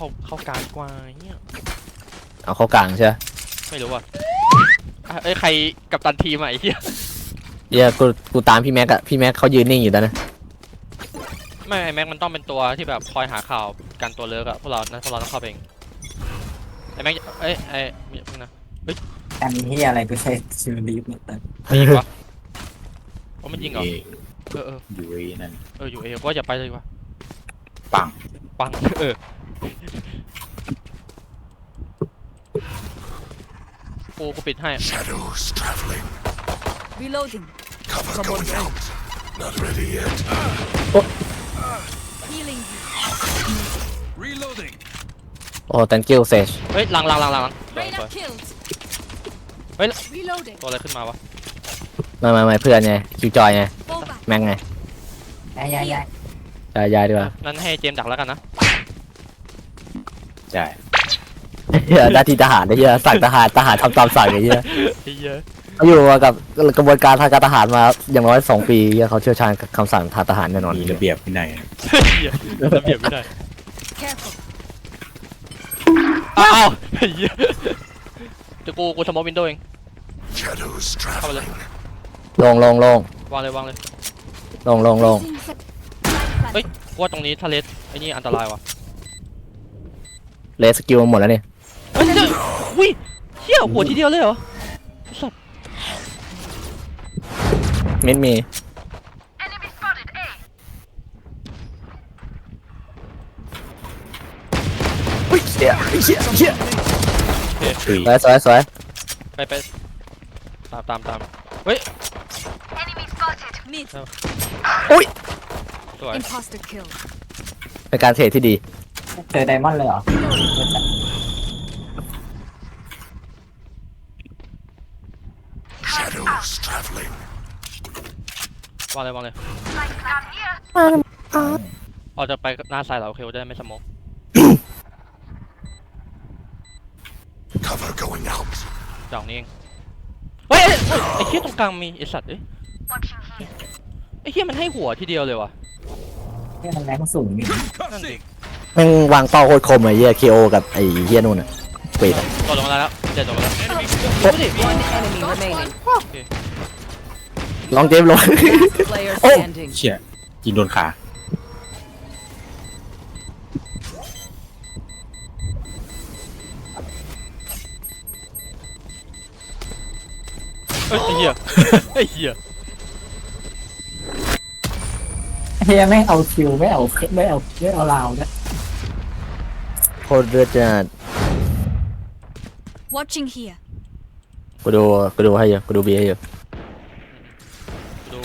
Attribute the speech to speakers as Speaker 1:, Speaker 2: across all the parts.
Speaker 1: เข้ากลางกว่าเนี่ย
Speaker 2: เอาเข้ากลางใช่ไหม
Speaker 1: ไม่รู้ว่ะเอ้ยใครกัปตันทีมอะไอ้เหี้ย
Speaker 2: เหี้ยกูตามพี่แม็กอะพี่แม็กเขายืนนิ่งอยู่แล้วนะ
Speaker 1: ไม่ไอ้แม็กมันต้องเป็นตัวที่แบบคอยหาข่าวกันตัวเลิกอะพวกเราต้องเข้าไปเองไอ้แม็กมีพึ่งนะ
Speaker 3: การที่อะไรกูใช้ชื่อลีฟเนี่ยแต่
Speaker 1: มียิงวะว่ามันยิงเหรอเออ
Speaker 4: อยู่เอนั่น
Speaker 1: อยู่เอว่าอย่าไปเลยดีกว่า
Speaker 4: ปัง
Speaker 1: ปังกูปิดให้
Speaker 5: Shadows traveling.
Speaker 6: Reloading.
Speaker 5: Cover
Speaker 6: Someone
Speaker 5: going out. Not ready yet.
Speaker 6: Healing you.
Speaker 5: Reloading.
Speaker 2: โอ้ thank you Sage
Speaker 1: เฮ้ยหลัง
Speaker 6: Reyna killed.
Speaker 1: เฮ้ย
Speaker 6: Reloading.
Speaker 1: ตัวอะไรขึ้นมาวะ
Speaker 2: ไม่เพื่อนไงคิวจอยไง
Speaker 6: Fall back.
Speaker 2: แม็กไง
Speaker 3: ย้าย
Speaker 2: ยายดีกว่า
Speaker 1: นั้นให้เจมส์ดักแล้วกันนะ
Speaker 4: ใช่
Speaker 2: เฮียหน้าที่ทหารไอ้เฮียสั่งทหารทำตามสั่งไอ้เฮีย
Speaker 1: ไอ้เหี้ย
Speaker 2: เขาอยู่มากับกระบวนการทางการทหารมาอย่างน้อย2 ปีเฮียเขาเชี่ยวชาญกับคำสั่งทางทหารแน่นอน
Speaker 4: มีระเบียบวินัย
Speaker 1: เหี้ยระเบียบไม่ได้
Speaker 6: Careful.
Speaker 1: อ้าวไอ้เหี้ยเดี๋ยวกูสมอลวินโดว์เอง
Speaker 5: Shadows
Speaker 1: เข้าไปเลย
Speaker 5: traveling.
Speaker 2: ลง
Speaker 1: วางเลย
Speaker 6: Using set- Light
Speaker 1: เฮ้ยกูว่าตรงนี้ทะเลไอ้นี่อันตรายว่ะ
Speaker 2: เลสสกิลหมดแล้วนี่
Speaker 1: เฮ้ยอุ้ยเหี้ยหัวทีเดียวเลยเหรอสัตว์
Speaker 2: มิดมีอุ้ยเชี่ย
Speaker 4: ตุย
Speaker 2: สวย
Speaker 1: ไปตามเฮ้ย
Speaker 6: mid.
Speaker 2: อุ้ย
Speaker 1: สวย
Speaker 6: Imposter kill.
Speaker 2: เป็นการเทรดที่ดี
Speaker 3: ๆเจอไดมอนด์เลยเหรอ
Speaker 5: Shadows traveling.
Speaker 1: วางเลยออกจะไปหน้าซ้ายเหรอโอเคจะได้ไม่สมอง
Speaker 5: Cover going out.
Speaker 1: ดอกนี้เองเฮ้ยไอ้เหี้ยตรงกลางมีไอ้สัตว์ไอ้เหี้ยมันให้หัวทีเดียวเลยว่ะ
Speaker 3: เนี่ยมันแรงสูงนี่
Speaker 1: นั่นดิ
Speaker 2: แม่งวางเป้าโคตรคมไอ้เฮียเคโอกับไอ้เฮียนู่นอะปิดอะ
Speaker 1: ตกลงมาแล้วเจ็ดตกลงมาแล้ว
Speaker 6: One enemy remaining.
Speaker 2: ลองเจมส์ลง
Speaker 6: Player
Speaker 2: Oh.
Speaker 6: standing.
Speaker 4: เชี่ยยิงโดนขา
Speaker 1: เฮ้ยไอ้เหี้ยไอ้เหี้ย
Speaker 3: เฮียไม่เอาคิวไม่เอาลาวเนี่ย
Speaker 2: โคตรเลือดจัด
Speaker 6: Watching here.
Speaker 2: กูดูให้อยู่กูดูบีให้อยู่
Speaker 1: ดู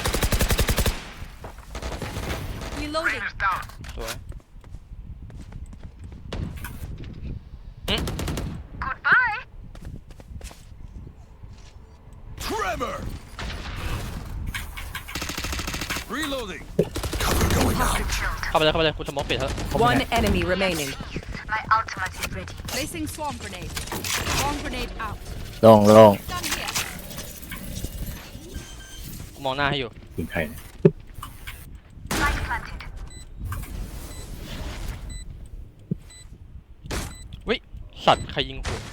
Speaker 6: Reloading.
Speaker 1: สวย
Speaker 5: Tremor. Reloading. Cover going out.
Speaker 1: เข้าไปเลยคุณสมองปิดเถอะ
Speaker 6: One enemy remaining.
Speaker 7: My ultimate is ready.
Speaker 6: Placing swarm grenade. Swarm grenade out.
Speaker 2: ลง
Speaker 6: Done here.
Speaker 1: กูมองหน้าให้อยู่
Speaker 4: ปืนใครเนี่ย
Speaker 7: Light planted.
Speaker 1: สัตว์ใครยิงหัว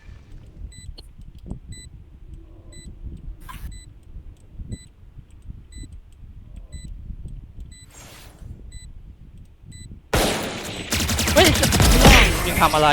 Speaker 1: เฮ้ยมึงทำอะไร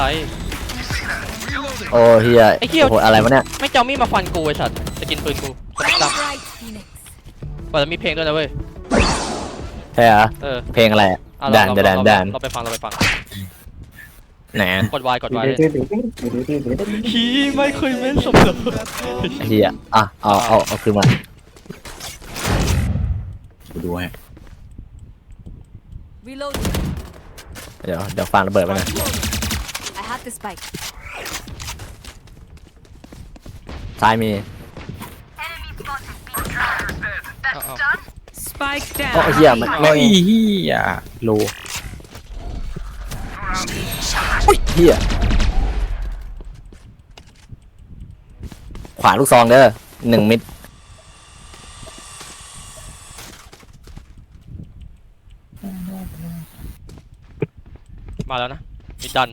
Speaker 2: โอ้เฮีย
Speaker 1: ไอ้เหี้ย
Speaker 2: โอ้โหอะไรวะเนี่ย
Speaker 1: ไม่เจ้ามีดมาฟันกูไอ้สัตว์จะกินปืนกูสเปกตรัม
Speaker 6: Bright Phoenix.
Speaker 1: ก่อนจะมีเพลงด้วยนะเว้ย
Speaker 2: ใช่เหรอ
Speaker 1: เออ
Speaker 2: เพลงอะไรอะ
Speaker 1: อ่ะ
Speaker 2: ด่าน
Speaker 1: เราไปฟัง
Speaker 2: ไหน
Speaker 1: กดวายเลย
Speaker 3: ดื้อ
Speaker 1: ฮีไม่เคยเม้นสมเลย
Speaker 2: ไอ้เฮียอ่ะเอาคืนมา
Speaker 4: กูดูให้
Speaker 6: Reloading.
Speaker 2: เดี๋ยวฟังระเบิดไปนะ
Speaker 6: I have the spike.
Speaker 2: ซ้ายมี
Speaker 7: Enemy spotted. That's done.
Speaker 6: Spike
Speaker 2: โอ้
Speaker 6: down.
Speaker 2: เฮียมัน
Speaker 4: โอ้ยเฮียโล
Speaker 2: อุ้ยเฮียขวาลูกซองเด้อ1 มิด
Speaker 1: มาแล้วนะมีดัน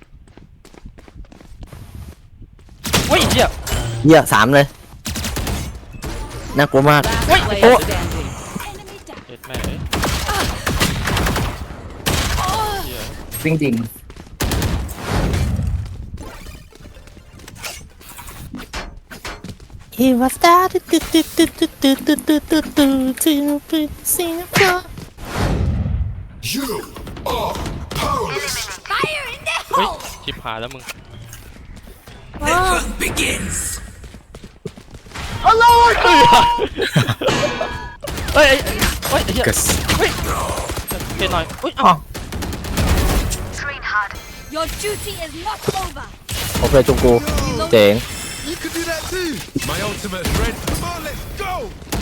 Speaker 1: เฮ้ยเหี้ย
Speaker 2: เหี้ยสามเลยน่ากลัวมาก
Speaker 8: Last player standing.
Speaker 6: Enemy down.
Speaker 1: เจ็ดแม่เอ้ยเหี้ย
Speaker 3: วิ่งจริง
Speaker 2: He was there Singapore
Speaker 5: You are powerless.
Speaker 6: Fire in the
Speaker 1: เฮ้ย
Speaker 6: hole.
Speaker 1: ชิบหายแล้วมึง
Speaker 5: Begins.
Speaker 1: เฮ้ยเฮ้ยเหี้ย
Speaker 4: กระส
Speaker 1: เฮ้ยเจ็ดหน่อยอุ้ยอ้าว
Speaker 7: Train hard.
Speaker 6: Your duty is not over.
Speaker 2: โอเคจุงกูเจ๋ง
Speaker 5: You can do that too. My ultimate's ready. Come on, let's go.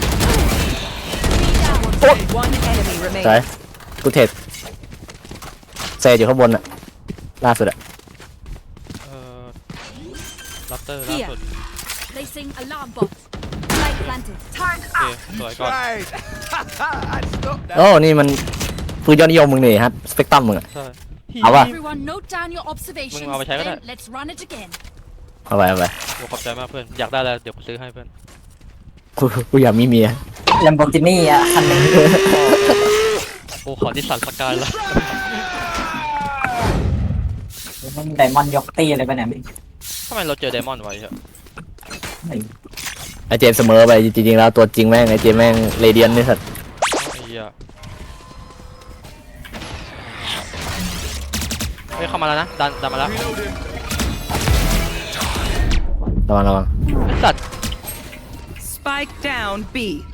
Speaker 8: One enemy
Speaker 2: ใช่
Speaker 8: remaining.
Speaker 2: กูเทรดเซอยู่ข้างบนอะล่าสุดอะ
Speaker 1: ลัตเตอร์ล่าสุด
Speaker 6: Placing alarm bot. Light planted.
Speaker 1: โอเคสวยก่อน
Speaker 5: Right. I stopped that.
Speaker 2: โอ้นี่มันปืนยอดนิยมมึงนี่ครับสเปกตรัมมึงอะ
Speaker 1: ใช่
Speaker 2: เอาป่ะ
Speaker 6: Everyone note down your observations.
Speaker 1: มึงเอาไปใช้ก็ได้
Speaker 6: Then let's run it again.
Speaker 2: เอาไปเอาไป
Speaker 1: โอ้ขอบใจมากเพื่อนอยากได้แล้วเดี๋ยวกูซื้อให้เพื่อน
Speaker 2: กูอยากมีเมีย
Speaker 3: แลมโบกินี่อ่ะคันหนึง
Speaker 1: โอ้ขอดิสันสกายละ
Speaker 3: มันไดมอนด์ยกตีอะไรไปไหนไม่
Speaker 1: ทำไมเราเจอไดมอนด์ไว้เหรอ
Speaker 3: ไม่
Speaker 2: ไอเจมส์เสมอไปจริงๆแล้วตัวจริงแม่งไอเจมส์แม่งเรเดียนนี่สัตว์
Speaker 1: ไอ้เหี้ยเฮ้ยเข้ามาแล้วนะดันมาแล้ว
Speaker 2: ระวังระวัง
Speaker 1: ไอ้สัตว์
Speaker 8: Spike down B.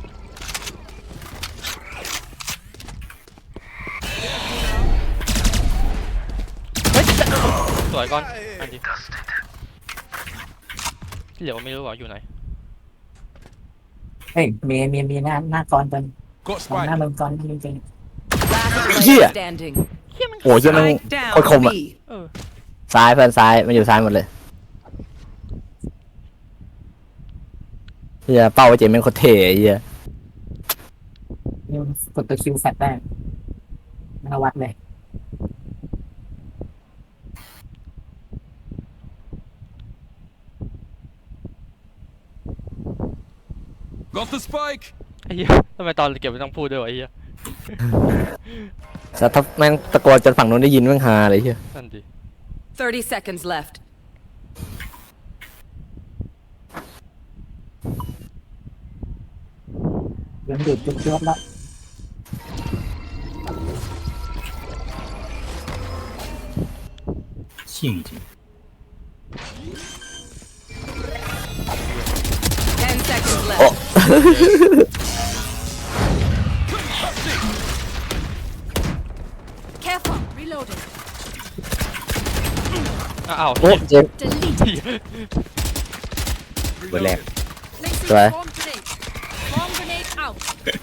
Speaker 1: เฮ้ยสวยก่อนอันดีที่เหลือไม่รู้ว่าอยู่ไหน
Speaker 3: เฮ้ยมีหน้ากรตัว
Speaker 5: Got
Speaker 3: หน้า
Speaker 5: spike.
Speaker 3: มึงกรจริง
Speaker 8: Last player standing.
Speaker 2: โอ้ยเหี้ยแม่ง
Speaker 8: Spike down
Speaker 2: โคตรคมอะ
Speaker 8: B.
Speaker 1: เออ
Speaker 2: ซ้ายเพื่อนซ้ายมันอยู่ซ้ายหมดเลยเฮียเป้าไอเจมส์แม่งโคตรเท่ไอ้เฮีย
Speaker 3: ๆนี่กดตัวคิวแฟตได้มาวัดเลย
Speaker 5: Got the spike.
Speaker 1: ไอ้เหี้ยทำไมตอนเก็บไม่ต้องพูดด้วยวะไอ้เหี้ย
Speaker 2: แต่ถ้าแม่งตะโกนจนฝั่งนู้นได้ยินแม่งฮาเลยเฮีย
Speaker 1: นั่นดิ
Speaker 8: 30 seconds left.
Speaker 3: เริ่มดูดจุ๊บๆแล้ว
Speaker 4: เชี่ยจริง
Speaker 8: 10 seconds
Speaker 2: โอ้
Speaker 8: left.
Speaker 6: Careful. Reloading.
Speaker 1: อ้าว
Speaker 2: โอ้เจมส์
Speaker 6: Delete.
Speaker 4: เบอร์แรก
Speaker 6: Placing
Speaker 2: Right.
Speaker 6: bomb grenade. Bomb grenade out.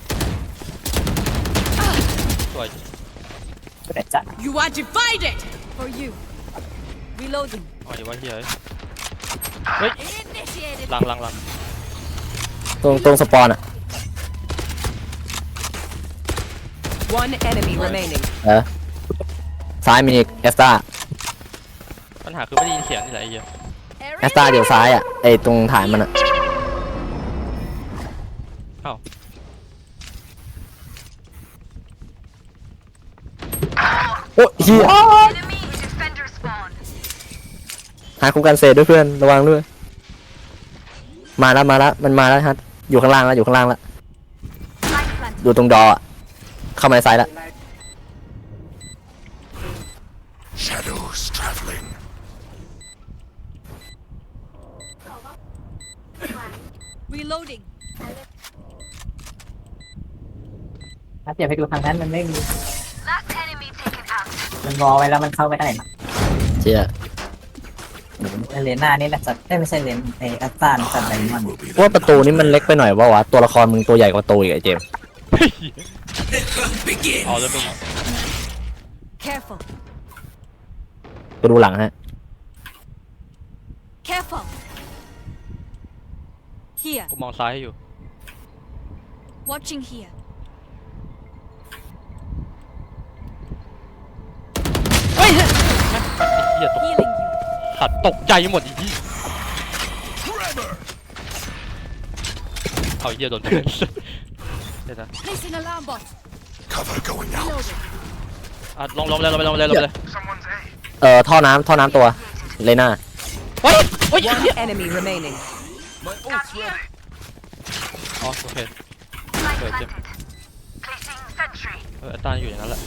Speaker 1: สวย
Speaker 3: แต่จัด
Speaker 6: You are divided. For you. Reloading.
Speaker 1: อ๋อเดี๋ยวว่าเหี้ยเฮ้ย
Speaker 6: Initiated.
Speaker 1: หลัง
Speaker 2: ตรงสปอนอะ
Speaker 8: One enemy remaining.
Speaker 2: ซ้ายมีอีกแอสตา
Speaker 1: ปัญหาคือไม่ได้ยินเสียงนี่แหละไอ้เหี้ย
Speaker 2: แอสตาเดี๋ยวซ้ายอะไอตรงฐานมันอะ
Speaker 1: อ้าว
Speaker 2: โอ้เฮีย
Speaker 7: Enemy defender spawn.
Speaker 2: หาคุ้มกันเซด้วยเพื่อนระวังด้วยมาแล้วมันมาแล้วฮะอยู่ข้างล่างแล้วอยู่ข้างล่างแล้ว
Speaker 7: Light planted.
Speaker 2: อยู่ตรงดออะเข้ามาในซ้ายแล้ว
Speaker 5: Shadows traveling.
Speaker 6: Reloading.
Speaker 3: ถ้าเดี๋ยวไปดูทางนั้นมันไม่มี
Speaker 7: Last enemy taken out.
Speaker 3: มันรอไว้แล้วมันเข้าไม่ได้นะ
Speaker 2: เชี่ย
Speaker 3: เลน่านี่แหละจัดไม่ใช่เลนไออัสตาจัดไดมอนด์
Speaker 5: Will be
Speaker 2: ว่าประตูนี้มันเล็กไปหน่อยว่าวะตัวละครมึงตัวใหญ่กว่าประตูอีกไอเจมส์
Speaker 1: เอาแล้วมึง
Speaker 6: Careful.
Speaker 2: ไปดูหลังฮะ
Speaker 6: Careful. Here.
Speaker 1: กูมองซ้ายให้อยู่
Speaker 6: Watching here.
Speaker 1: เฮ้ยหี้ยตก
Speaker 6: Healing you.
Speaker 1: สัตว์ตกใจหมดอีกที่
Speaker 5: Trevor!
Speaker 1: เอาเหี้ยโดนเพื่อนเดี๋ยวนะ
Speaker 6: Placing alarm bot.
Speaker 5: Cover going out.
Speaker 6: Reloading.
Speaker 1: ลงเลย
Speaker 5: Someone's A.
Speaker 2: ท่อน้ำตัวเลน่า
Speaker 1: เฮ้ยเฮ้ย
Speaker 8: One enemy remaining.
Speaker 5: My ult's ready.
Speaker 1: อ๋อโอเค
Speaker 7: Spike
Speaker 1: Good,
Speaker 7: planted. Placing sentry.
Speaker 1: แอตตาอยู่อย่างนั้นแหละ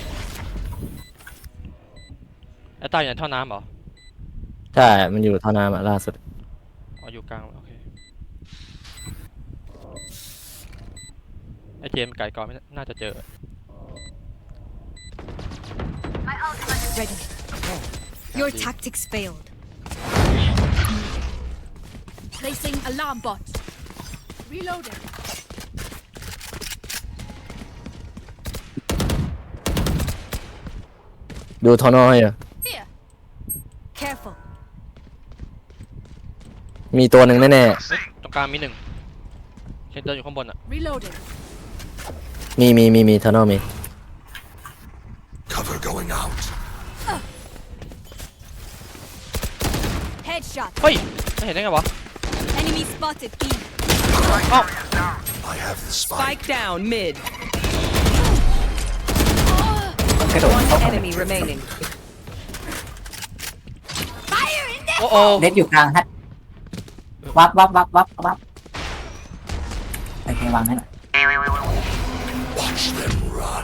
Speaker 1: แอตตาอยู่ในท่อน้ำเหรอ
Speaker 2: ใช่ มันอยู่ท่อน้ำอะล่าสุด
Speaker 1: อ๋ออยู่กลางโอเคไอเจมส์ไก่ก่อนไม่น่าจะเจอ
Speaker 7: My ultimate is
Speaker 6: Ready. Your tactics failed. Placing alarm bot. Reloading.
Speaker 2: ดูท่อนอให้อะ
Speaker 6: Here. Careful.
Speaker 2: มีตัวหนึ่งแน่
Speaker 1: ตรงกลางมีหนึ่งเคนเดินอยู่ข้างบนอ่ะ
Speaker 6: Reloading.
Speaker 2: ๆมีท่อนอมี
Speaker 5: Cover going out.
Speaker 6: Headshot.
Speaker 1: เฮ้ยไม่เห็นได้ไงวะ
Speaker 6: Enemy spotted. B.
Speaker 5: I have the spike.
Speaker 8: Spike down mid.
Speaker 3: กระโดด
Speaker 8: One
Speaker 3: เข้า
Speaker 8: enemy remaining.
Speaker 6: Fire in there.
Speaker 1: โอ้โอ้
Speaker 3: เด็ดอยู่กลางฮะวับโอเควางให้หน่อย
Speaker 5: Watch them run.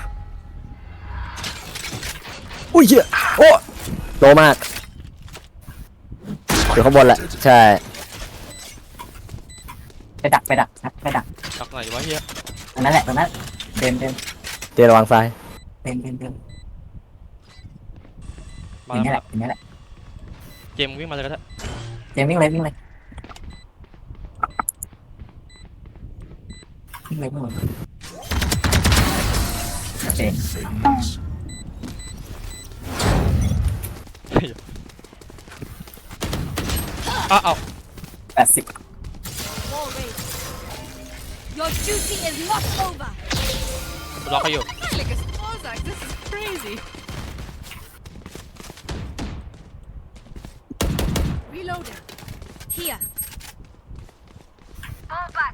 Speaker 2: อุ้ยเหี้ยโอ้โลมากอยู่ข้างบนแหละ ใช่
Speaker 3: ไปดักครับไปดัก
Speaker 1: ตักไหนวะเฮีย
Speaker 3: ตรงนั้นแหละเดิน
Speaker 2: เจระวังซ้าย
Speaker 1: มา
Speaker 3: อย่างนี้
Speaker 1: แล้ว
Speaker 3: แหละ
Speaker 1: เจมส์วิ่งมาเลยก็ได้
Speaker 3: เจมวิ่งเลยวิ่งเลยโอเค
Speaker 5: Things.
Speaker 1: เอา
Speaker 3: 80
Speaker 6: Wall raised. Your duty is not over.
Speaker 1: ล็อกให้อยู่
Speaker 6: Like a Spozak. This is crazy. Reloading. Here.
Speaker 7: Fall back.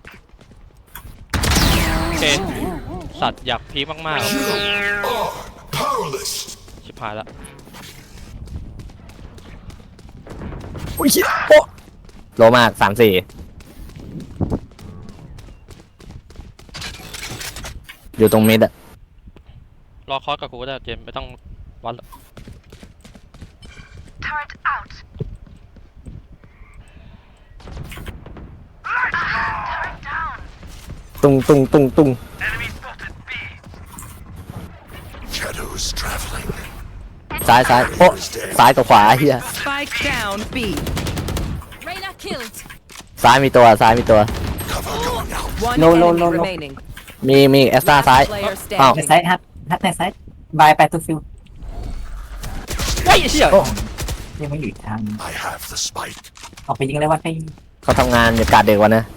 Speaker 1: โอเคสัตว์อยากพีคมากๆ
Speaker 5: Powerless.
Speaker 1: ชิบหายละ
Speaker 2: อุ้ยเหี้ยโอ้โลมาก3-4อยู่ตรงมิดอะ
Speaker 1: รอคอสกับกูก็ได้เจมส์ไม่ต้องวัดหรอก
Speaker 7: Turret out. Turret down.
Speaker 2: ตุ้ง
Speaker 5: Enemy spotted B. Shadows traveling.
Speaker 2: ซ้ายโอ้ซ้ายกับขวาเฮีย
Speaker 8: Spike down B.
Speaker 6: Reyna killed.
Speaker 2: ซ้ายมีตัว
Speaker 5: Cover going out.
Speaker 8: One
Speaker 3: No,
Speaker 8: enemy
Speaker 3: no.
Speaker 8: remaining.
Speaker 2: มีแอสตาซ้าย
Speaker 8: Player
Speaker 2: อ้าว
Speaker 3: ใน
Speaker 8: standing.
Speaker 3: ไซส์ฮัทในไซส์บายไปตัวฟิล
Speaker 1: เฮ้ยเฮีย
Speaker 2: โอ้
Speaker 3: ยังไม่อยู่ทาง
Speaker 5: I have the spike.
Speaker 3: ออกไปยิงเลยว่าไป
Speaker 2: เขาทำงานอยู่การเด็กวันนะ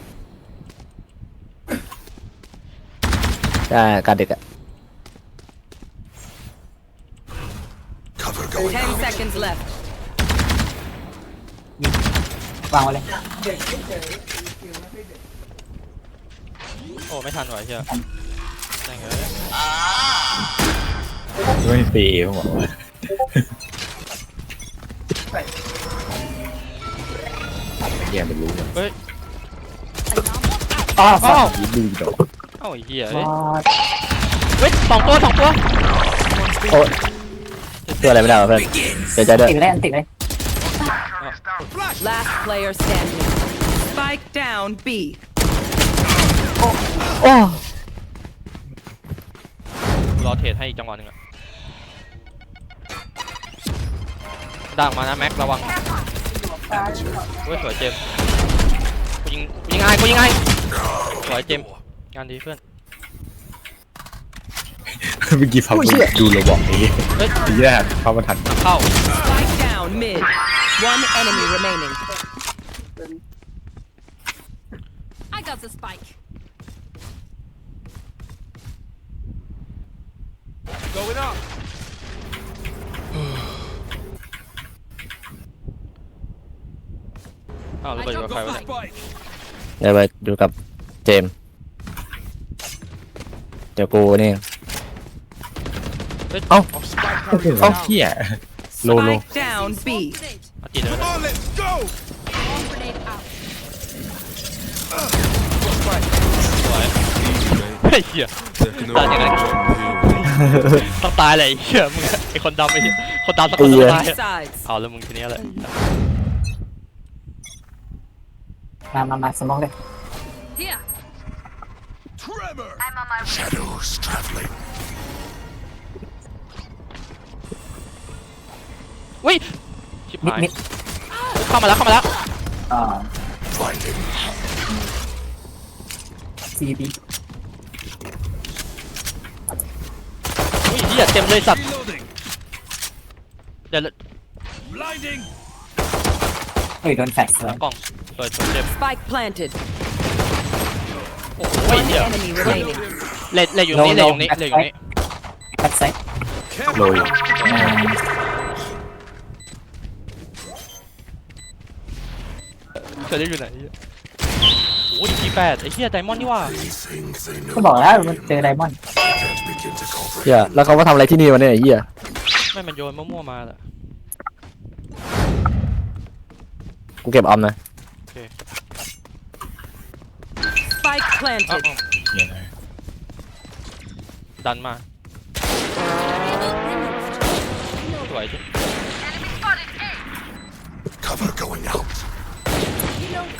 Speaker 2: ใช่การเด็กอะ
Speaker 5: Cover going
Speaker 8: 10
Speaker 5: out.
Speaker 8: seconds left.
Speaker 3: วางไว้เลย
Speaker 1: โอ้ไม่ทันว่ะเฮียแม่งเอ้ย
Speaker 4: ไม่เปย์เขาบอกว่าแย่ไม่รู้เลย
Speaker 1: เฮ้ย
Speaker 3: อ๋อ
Speaker 1: อ้าว
Speaker 4: ดูดอก
Speaker 1: เอ้าไอ้เฮีย
Speaker 3: อ๋
Speaker 1: เฮ้ย
Speaker 3: อ
Speaker 1: สองตัว
Speaker 2: โอ้ช่วยอะไรไม่ได้วะเพื่อนเสียใจด้วย
Speaker 3: ติดเลยติดเลย
Speaker 8: Last player standing. Spike down B.
Speaker 2: โอ้
Speaker 1: รอเทรดให้อีกจังหวะหนึ่งอะดักมานะแม็กระวังเฮ้ยสวยเจมส์กูยิงง่ายสวยเจมส์งานดีเพื่อน
Speaker 4: เมื่อกี้ฟังดูเราบอกนี้
Speaker 1: เฮ้ย
Speaker 4: ทีแรกเข้ามาทัน
Speaker 1: เข้า
Speaker 8: Spike down mid. One enemy remaining.
Speaker 6: I got the spike.
Speaker 5: Going up.
Speaker 1: อ้าวระเบิดอยู่กับใคร
Speaker 5: Got
Speaker 1: วะ
Speaker 5: the
Speaker 1: เนี่ย
Speaker 5: spike.
Speaker 2: เดี๋ยวไปอยู่กับเจมส์เดี๋ยวกูนี่
Speaker 1: เฮ้ย
Speaker 2: เอ้า
Speaker 5: Spike
Speaker 4: เอ้า
Speaker 5: carrier
Speaker 4: เฮียโล
Speaker 8: Spike down B.
Speaker 6: Grenade.
Speaker 1: มาจีนเลย
Speaker 5: Come on, let's go.
Speaker 6: Bomb grenade out.
Speaker 1: สวยเฮ้ยเหี้ย
Speaker 5: Taking
Speaker 1: Done,
Speaker 5: over
Speaker 1: you're
Speaker 5: one here.
Speaker 1: ต้องตายเลยไอ้เหี้ยมึงไอ้คนดำไอ้เหี้ยคนดำสักคน
Speaker 2: ไอ้เหี้
Speaker 1: ต้อง
Speaker 2: ย
Speaker 1: ตาย
Speaker 8: Sides.
Speaker 1: เอาแล้วมึงทีเนี้ยแหละ
Speaker 3: มาสมองเลย
Speaker 6: Here.
Speaker 5: Tremor.
Speaker 7: I'm on my way.
Speaker 5: Shadows traveling.
Speaker 1: อุ้ยชิบ
Speaker 3: มิด
Speaker 1: หาย
Speaker 3: มิด
Speaker 1: เข้ามาแล้ว
Speaker 3: อ่า
Speaker 5: Blinding.
Speaker 3: CB
Speaker 1: อุ้ยเหี้ยเต็มเลยสัตว์
Speaker 5: Reloading.
Speaker 1: เดี๋ยว
Speaker 5: Blinding.
Speaker 3: เฮ้ยโดนแฟลช
Speaker 1: หลังกล้องสวยเจ็บ
Speaker 8: Spike planted.
Speaker 1: โอ้ย
Speaker 8: One
Speaker 1: เหี้ย
Speaker 8: enemy remaining.
Speaker 1: เล่อยู่นี่เล่อยู่นี่เล่อยู่นี่
Speaker 3: แบ็คไซด์
Speaker 4: โลอยู่
Speaker 1: เคยได้อยู่ไหนเหี้ยโอ้ยT8ไอ้เหี้ยไดมอนด์นี่ว่า
Speaker 5: Things they know.
Speaker 3: ก็บอกแล้วมันเจอไดมอนด์
Speaker 5: Can't begin to comprehend.
Speaker 2: เฮียแล้วเขามาทำอะไรที่นี่วะเนี่ยไอ้เฮีย
Speaker 1: ไม่มันโยนมั่วๆมาแหละ
Speaker 2: กูเก็บออมนะ
Speaker 8: Spike
Speaker 1: เอ้า
Speaker 8: planted.
Speaker 4: เฮียนะ
Speaker 1: ดันมาสวยจิ
Speaker 7: Enemy spotted A.
Speaker 5: Cover going out.
Speaker 6: Reload.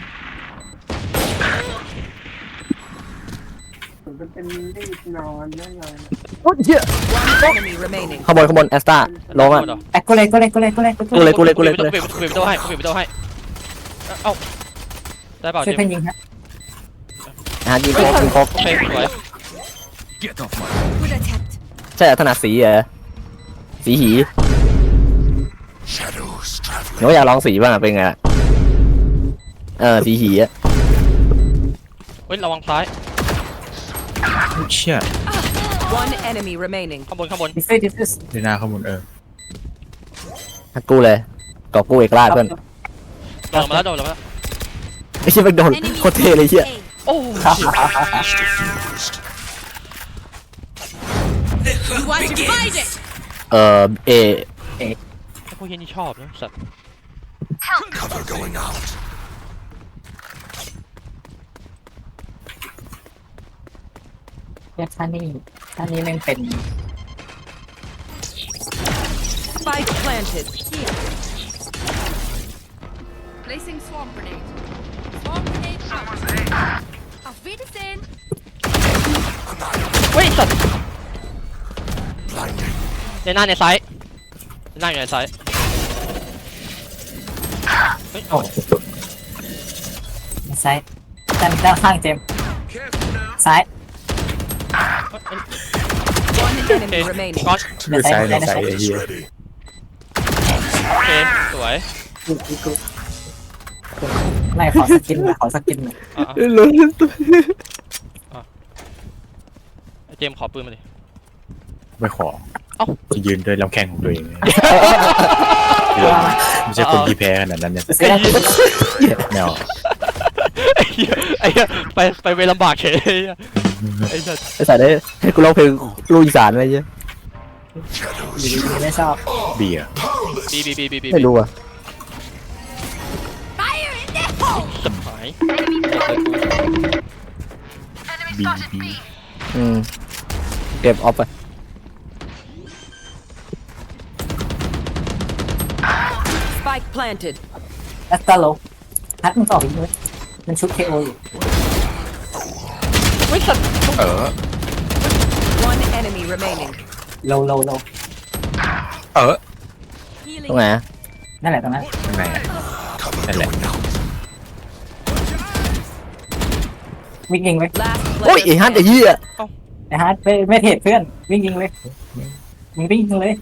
Speaker 2: โอ้ยเฮีย
Speaker 8: One enemy remaining.
Speaker 2: ข้างบนแอสตาลงอ่ะ
Speaker 3: แอคกูเลย
Speaker 2: กูเลย
Speaker 1: กูปิดประตูให้เอ้าได้เปล่า
Speaker 3: ช่วย
Speaker 1: เจ
Speaker 3: เพื่อน
Speaker 1: ม
Speaker 3: ยิงฮะ
Speaker 2: ยิงโคกยิงโคก
Speaker 1: โอเคสวย
Speaker 5: Get off my.
Speaker 6: Good attempt.
Speaker 2: ใช่ถนัดสีเหรอสีหี
Speaker 5: Shadows traveling.
Speaker 2: หนูอยากลองสีบ้างอะเป็นไงล่ะสีหีอะ
Speaker 1: เฮ้ยระวังซ้าย
Speaker 4: เชี่ย
Speaker 8: One enemy remaining.
Speaker 1: ข้างบน
Speaker 3: ดิฟฟิส
Speaker 4: ในหน้าข้างบน
Speaker 2: ฮักกูเลยกอบกูเอกราชเพื่อน
Speaker 1: โดนมาแล้ว
Speaker 2: ไอ้เชี่ยไปโดน
Speaker 6: Enemy
Speaker 2: โคตรเท่เลยเชี่ย
Speaker 6: A.
Speaker 1: โอ้
Speaker 5: Diffused.
Speaker 6: You want to fight it?
Speaker 2: เอ
Speaker 1: ไอ้พวกเฮียนี่ชอบนะสัตว์
Speaker 5: Cover going out.
Speaker 3: เนี่ยท่านี่แม่งเป็น
Speaker 8: Spike planted.
Speaker 6: Placing swarm grenade. Swarm grenade out. Auf Wiedersehen.
Speaker 1: เฮ้ยสัตว์
Speaker 5: Blinding.
Speaker 1: ในหน้าในซ้ายในหน้าอยู่ในซ้ายเฮ้ย
Speaker 3: โอ้ซ้ายด้านข้างเจมส์
Speaker 5: Careful now.
Speaker 3: ซ้าย
Speaker 8: One
Speaker 1: โอเค
Speaker 8: enemy remaining.
Speaker 1: ก้อน
Speaker 4: มือซ้ายในซ้ายไอ้เฮีย
Speaker 5: Ready.
Speaker 1: โอเคสวย
Speaker 3: กูไม่ขอสกินหน่อย
Speaker 1: อ่ะไอ้เจมส์ขอปืนมาดิ
Speaker 4: ไม่ขอ
Speaker 1: เอ้า
Speaker 4: จะยืนด้วยลำแข้งของตัวเองไม่ใช่คนที่แพ้ขนาดนั้นเนี่ย
Speaker 3: ซื้อได้
Speaker 4: แนว
Speaker 1: ไอ้เหี้ยไปเวรลำบากเฉยไอ้สัตว์
Speaker 2: ไอ้สายได้ให้กูร้องเพลงลูกอีสานอะไรเงี้ย
Speaker 5: Shadows
Speaker 3: ดีไม่ชอบ
Speaker 4: เบียร์
Speaker 5: powerless.
Speaker 1: บี
Speaker 2: ไม่รู้อ่ะ
Speaker 6: Fire in the hole.
Speaker 1: สับหาย
Speaker 7: Enemy
Speaker 4: บี
Speaker 7: spotted
Speaker 4: บี
Speaker 7: B.
Speaker 2: เก็บออฟไป
Speaker 8: Spike planted.
Speaker 3: แอสตาโลฮัทมึงต่ออีกเลยมันชุด KO อยู่
Speaker 1: เฮ้ยสัตว์
Speaker 8: One enemy remaining.
Speaker 3: โล
Speaker 2: ตรง
Speaker 6: Healing.
Speaker 2: ไหนอะ
Speaker 3: นั่นแหละตรงนั้น
Speaker 4: ข้างในอะ
Speaker 5: Cover
Speaker 4: Hello.
Speaker 5: going out.
Speaker 3: วิ่งยิงเลย
Speaker 8: Last
Speaker 2: โอ้ย
Speaker 8: player
Speaker 2: ไอ้ฮัทไอ้
Speaker 8: standing.
Speaker 2: เหี้ย
Speaker 3: ไอ้ฮัทไม่เทรดเพื่อนวิ่งยิงเลยมึงวิ่งยิงเลย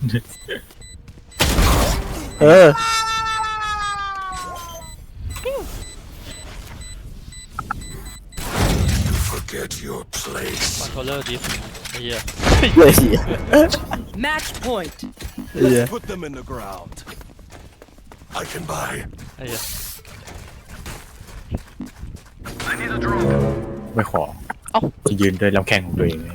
Speaker 5: Forget your place.
Speaker 1: คอนโทรลเลอร์ดิฟไอ้เหี้ย
Speaker 2: เลยเหี้ย
Speaker 8: Match point.
Speaker 2: เหี้ย
Speaker 5: Put them in the ground. I can buy.
Speaker 1: ไอ้เหี้ย
Speaker 4: ไม่ขอ
Speaker 1: เอ้า
Speaker 4: จะยืนด้วยลำแข้งของตัวเองเลย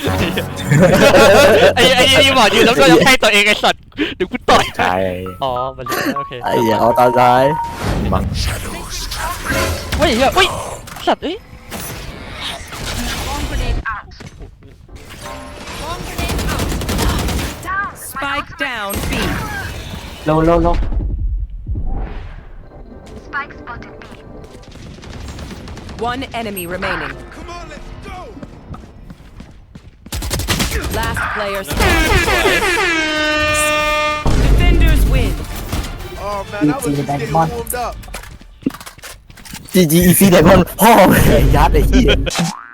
Speaker 1: ไอ้นี่บอกยืนแล้วก็ยังให้ตัวเองไอ้สัตว์เดี๋ยวกูต่อย
Speaker 4: ใช่
Speaker 1: อ๋อมันโอเค
Speaker 2: ไอ้เหี้ยเอาตาซ้าย
Speaker 4: มั้ง
Speaker 1: เฮ้ยเฮ้ยสัตว์เอ้ย
Speaker 6: Bomb grenade out. Bomb grenade out.
Speaker 8: Spike down B.
Speaker 3: โล
Speaker 7: Spike spotted B.
Speaker 8: One enemy remaining.
Speaker 5: Come on, let's go.
Speaker 8: Last player standing. Defenders win.
Speaker 5: Oh man, I was just getting warmed up.
Speaker 2: GG Easy Diamond พ่อมึงยัดไอ้เหี้ย